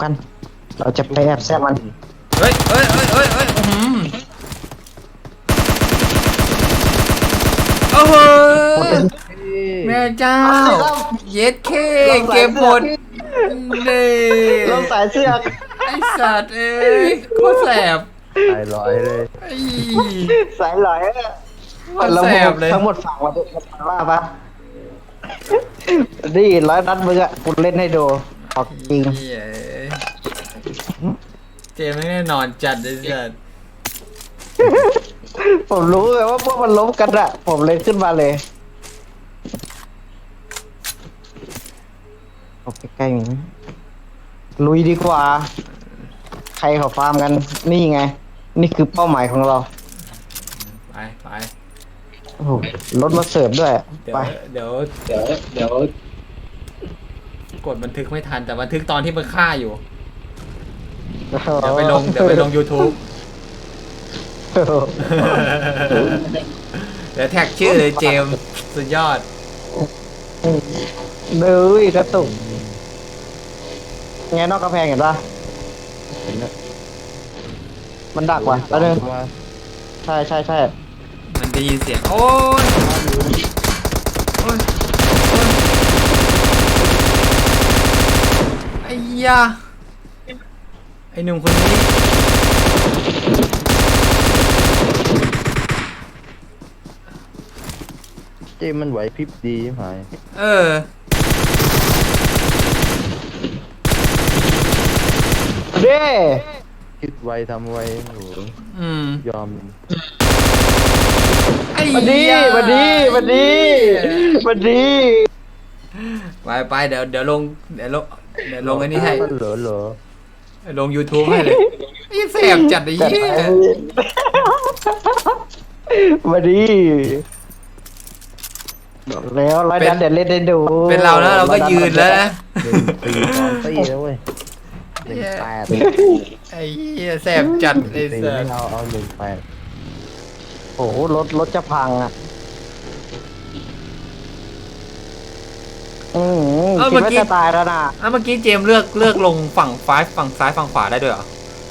กัน เราจะไปแอบแซบมันเฮ้ยโอ้โหแม่เจ้าเย็ดเคเก็บหมดนี่เราสายเสื้อไอสัตว์เอ้ยโคตรแสบตายร้อยเลยไอ้สายหลอยโคตรแสบเลยทั้งหมดฝั่งมาดูว่าปะนี่100 นัดมึงอะกูเล่นให้ดูออกจริงเหี้ยเจไม่แน่นอนจัดเลยสัตว์ผมรู้เลยว่าพวกมันล้มกันอะผมเลยขึ้นมาเลยออกใกล้ๆมีลุยดีกว่า ใครเขาฟาร์มกัน นี่ไง นี่คือเป้าหมายของเราไปโอ้โหรถมาเสิร์ฟด้วยเดี๋ยวไปเดี๋ยวกดบันทึกไม่ทันแต่บันทึกตอนที่มันฆ่าอยู่ เดี๋ยวไปลง YouTube เดี๋ยวแท็กชื่อเลยเจมส์สุดยอดเดือยกระตุกไงนอกกระแพงเห็นปะมันดักว่ะแล้วนึงใช่มันได้ยินเสียงโอ้ยไอ้ยาไอ้หนุ่มคนนี้เจมันไหวพริบดีไหมเออเด้คิดไวทำไวโอ้โหอืมยอมไอ้มันดียามันดีไปเดี๋ยวลงไอ้นี่ให้เหรอลง YouTube ให้เลยไอ้แสบจัดไอ้จัดเหี้ไปยมันดีบอกแล้วร้อยนัดเดี๋ยวเล่นได้ดูเป็นเราแล้วเราก็ยืนแล้วนะ 1 4 2 4แล้วเว้ย1 8 ไอ้เหี้ยแสบจัดไอ้ 4 สัไม่สเอา1 8 โอ้โหรถจะพังอ่ะคิดว่าจะตายแล้วนะเมื่อกี้เจมส์เลือกลงฝั่งซ้ายฝั่งขวาได้ด้วยเหรอ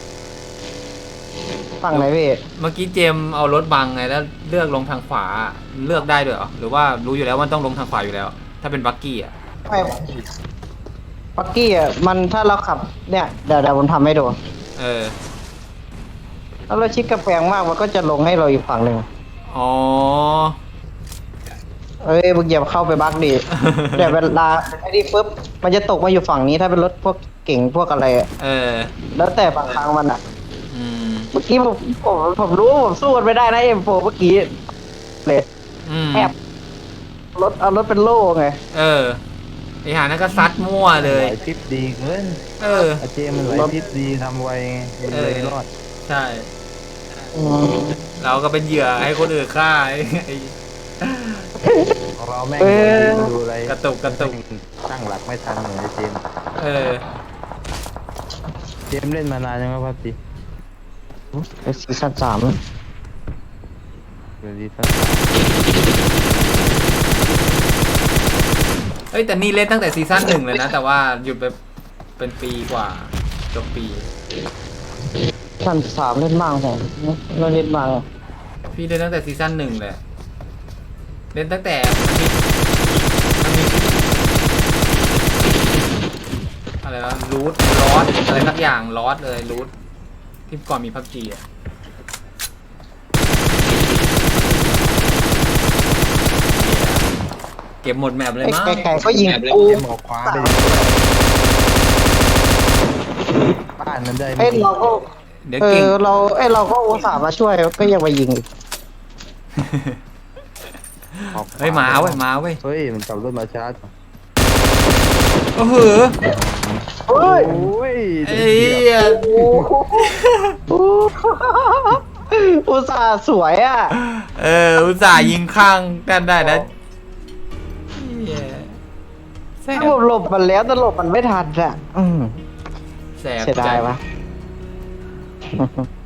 ฝั่งไหนพี่เมื่อกี้เจมส์เอารถบังไงแล้วเลือกลงทางขวาเลือกได้ด้วยเหรอหรือว่ารู้อยู่แล้วว่าต้องลงทางขวาอยู่แล้ว ถ้าเป็นบักกี้อ่ะไม่ปักกี้อ่ะมันถ้าเราขับเนี่ยเดี๋ยวผมทำให้ดูเออถ้าเราชิดกระแพงมากมันก็จะลงให้เราอีกฝั่งหนึ่งอ๋อเอ้ยมึงอย่าเข้าไปบักดิเดี๋ยวเวลาไอ้นี่ปุ๊บมันจะตกมาอยู่ฝั่งนี้ถ้าเป็นรถพวกเก่งพวกอะไรอะเออแล้วแต่บางครั้งมันอ่ะอืมเมื่อกี้ผมรู้ว่าผมสู้มันไม่ได้นะM4เมื่อกี้เลยอืมแอบเอารถเป็นโล่ไงเออไอหานั่นก็ซัดมั่วเลยไหวพริบดีเกินเออเจมันไหวพริบดีทำไวไงมันเลยรอดใช่อืมเราก็เป็นเหยื่อให้คนอื่นฆ่าไอ้ของเราแม่งดูอะไรกระตุกตั้งหลักไม่ทันเหมือนไอ้เจมเออเจมเล่นมานานยังครับพับจีไปซีซั่น3 เดี๋ยวดีสักเอ้ยแต่นี่เล่นตั้งแต่ซีซั่น 1เลยนะ แต่ว่าหยุดไปเป็นปีกว่าจบปีซั่น3เล่นมากผมเราเล่นมากพี่เล่นตั้งแต่ซีซั่น 1เลยเล่นตั้งแต่มันมีอะไรวะรูทลอสอะไรสักอย่างลอสเลยรูทที่ก่อนมีพับจีอะเก็บหมดแมปเลยมั้งไก่ก็ยิงกูเจมออกขวาไปดิบ้านมันได้เอ้ยเราก็เดี๋ยวเก่งเราก็อุตส่าห์มาช่วยก็ยังมายิงอีกออกขวเฮ้ยมาเว้ยเฮ้ยมันขับรถมาชาร์จโอ้โหเฮ้ยโอ้ยไอ้เหี้ยอุตส่าห์สวยอ่ะอุตส่าห์ยิงข้างกันได้นะเหี้ยแสบผมหลบมันแล้วแต่หลบมันไม่ทันอ่ะแสบเสียดายวะจัง